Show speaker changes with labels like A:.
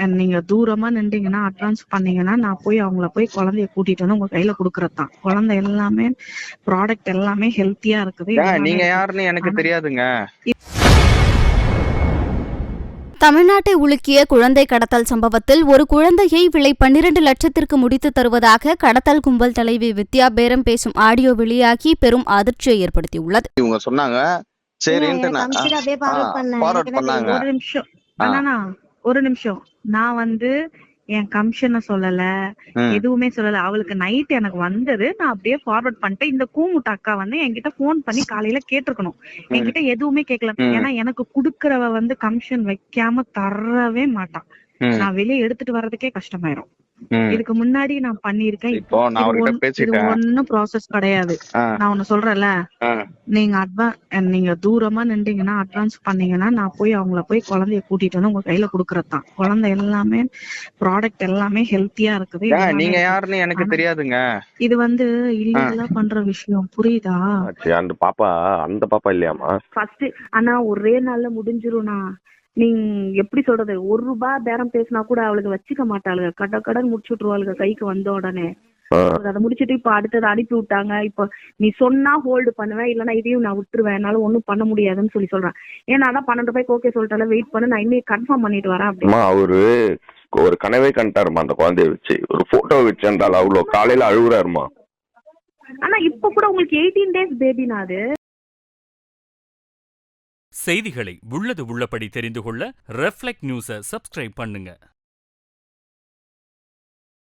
A: நீங்க தூரமா நின்றீங்கன்னா அட்வான்ஸ் பண்ணீங்கன்னா நான் போய் அவங்கள போய் குழந்தைய கூட்டிட்டு வந்து உங்க கையில குடுக்கறதுதான். குழந்தை எல்லாமே ப்ராடக்ட் எல்லாமே ஹெல்த்தியா இருக்குது, எல்லாமே
B: நீங்க
A: இருக்கு.
B: யாருன்னு எனக்கு
A: ஆனா
B: தெரியாதுங்க.
C: தமிழ்நாட்டை உலுக்கிய குழந்தை கடத்தல் சம்பவத்தில் ஒரு குழந்தையை விலை 12 லட்சத்திற்கு முடித்து தருவதாக கடத்தல் கும்பல் தலைவி வித்யா பேரம் பேசும் ஆடியோ வெளியாகி பெரும் அதிர்ச்சியை ஏற்படுத்தியுள்ளது.
B: இவங்க சொன்னாங்க சரின்ட்டு ஃபார்வர்ட் பண்ணாங்க.
A: ஒரு நிமிஷம் அண்ணா, ஒரு நிமிஷம். நான் என் கமிஷனை சொல்லல, எதுவுமே சொல்லல. அவளுக்கு நைட் எனக்கு வந்தது, நான் அப்படியே ஃபார்வர்ட் பண்ணிட்டேன். இந்த கூமுட்ட அக்கா என்கிட்ட போன் பண்ணி காலையில கேட்டிருக்கணும், என்கிட்ட எதுவுமே கேட்கல. ஏன்னா எனக்கு குடுக்கறவ கமிஷன் வைக்காம தரவே மாட்டான். நான் வெளியே எடுத்துட்டு வர்றதுக்கே கஷ்டமாயிரும். இதுக்கு முன்னாடி நான் பண்ணிருக்கேன்.
B: இப்போ நான் அவர்கிட்ட பேசிட்டேன்.
A: ஒன்னும் ப்ராசஸ் கிடையாது. நான் ஒண்ணு சொல்றேன்ல, நீங்க தூரமா நின்றீங்கன்னா அட்வான்ஸ் பண்ணீங்கன்னா நான் போய் அவங்கள போய் குழந்தைய கூட்டிட்டு வந்து உங்க கையில குடுக்கறதுதான். குழந்தை எல்லாமே ப்ராடக்ட் எல்லாமே ஹெல்த்தியா இருக்குது,
B: நீங்க யாருன்னு எனக்கு தெரியாதுங்க.
A: இது இல்லீகலா பண்ற விஷயம், புரியுதா?
D: அந்த பாப்பா இல்லையாமா?
A: ஃபர்ஸ்ட் ஆனா ஒரே நாள்ல முடிஞ்சிரும்னா. நீங்க எப்படி சொல்றது, ₹1 பேரம் பேசினா கூட அவளுக்கு வச்சுக்க மாட்டாளுங்க, கடன் முடிச்சு விட்டுருவாளுங்க கைக்கு வந்த உடனே. அதை முடிச்சிட்டு இப்ப அடுத்தது அனுப்பி விட்டாங்க. இப்ப நீ சொன்னா ஹோல்டு பண்ணுவேன், இல்லன்னா இதையும் நான் விட்டுருவேன், என்னால ஒண்ணும் பண்ண முடியாதுன்னு சொல்றேன். ஏன்னா அதான் 12 ரூபாய்க்கு ஓகே சொல்லிட்டால, வெயிட் பண்ணு, நான் இன்னும் கன்ஃபார்ம் பண்ணிட்டு வரேன் அப்படின்னு.
D: அவரு ஒரு கனவே கண்டாருமா, அந்த குழந்தைய வச்சு ஒரு போட்டோ வச்சு இருந்தாலும் அவ்வளவு காலையில அழுகுறாருமா.
A: ஆனா இப்ப கூட உங்களுக்கு 18 days பேபினா அது.
E: செய்திகளை உள்ளது உள்ளபடி தெரிந்து கொள்ள ரெஃப்ளெக்ட் நியூஸை சப்ஸ்கிரைப் பண்ணுங்க.